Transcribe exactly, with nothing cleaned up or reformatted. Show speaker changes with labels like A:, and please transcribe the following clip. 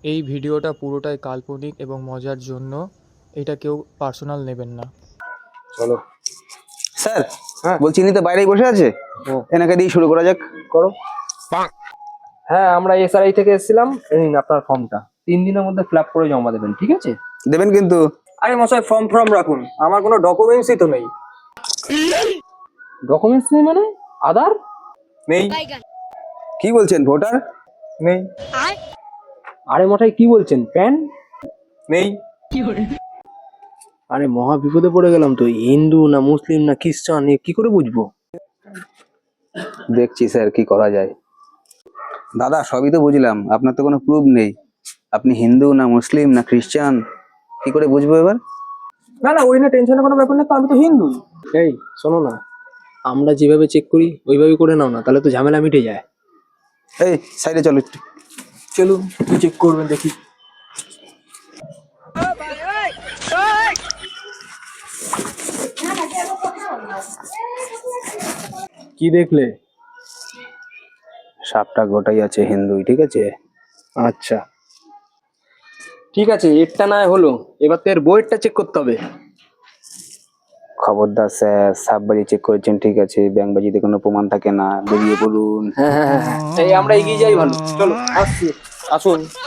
A: এই ভিডিওটা পুরোটাই কাল্পনিক এবং মজার জন্য এটা কেউ পার্সোনাল নেবেন না।
B: চলো
C: স্যার,
B: হ্যাঁ
C: বলছি ইনি তো বাইরেই বসে আছে,
B: ও
C: এনাকে দিয়ে শুরু করা যাক।
B: করো। হ্যাঁ, আমরা এসআরআই থেকে এসেছিলাম। এই নিন আপনার ফর্মটা, তিন দিনের মধ্যে ফিল আপ করে জমা দেবেন, ঠিক আছে?
C: দেবেন কিন্তু।
B: আরে মশাই, ফর্ম ফর্ম রাখুন, আমার কোনো ডকুমেন্টসই তো নেই। ডকুমেন্টস নেই মানে? আধার নেই?
C: কি বলছেন, ভোটার
B: নেই। আরে মশাই কি বলছেন, প্যান নেই? আরে মহা বিপদে পড়ে গেলাম তো, হিন্দু না মুসলিম না খ্রিস্টান এ কি করে বুঝবো?
C: দেখছি স্যার কি করা যায়। দাদা সবই তো বুঝলাম, আপনার তো কোনো প্রুফ নেই, আপনি হিন্দু না মুসলিম না খ্রিস্টান, কি করে বুঝবো এবার?
B: না না, ওই না টেনশনের কোনো ব্যাপার না, তো আমি তো হিন্দু। এই শোনো না, আমরা যেভাবে চেক করি ওইভাবে করে নাও না, তাহলে তো ঝামেলা মিটে যায়।
C: এই সাইডে চলো একটু।
B: চলুন, কি চেক করবেন দেখি। কি দেখলে?
C: সাপটা গোটাই আছে হিন্দুই, ঠিক আছে।
B: আচ্ছা ঠিক আছে, এরটা না হলো, এবার তো এর বইয়েরটা চেক করতে হবে।
C: খবরদার স্যার, সাপবাজি চেক করেছেন ঠিক আছে, ব্যাংকবাজিতে কোনো প্রমাণ থাকে না, বেরিয়ে বলুন।
B: হ্যাঁ হ্যাঁ হ্যাঁ, এই আমরা এগিয়ে যাই ভালো, চলো আসছি, আসুন।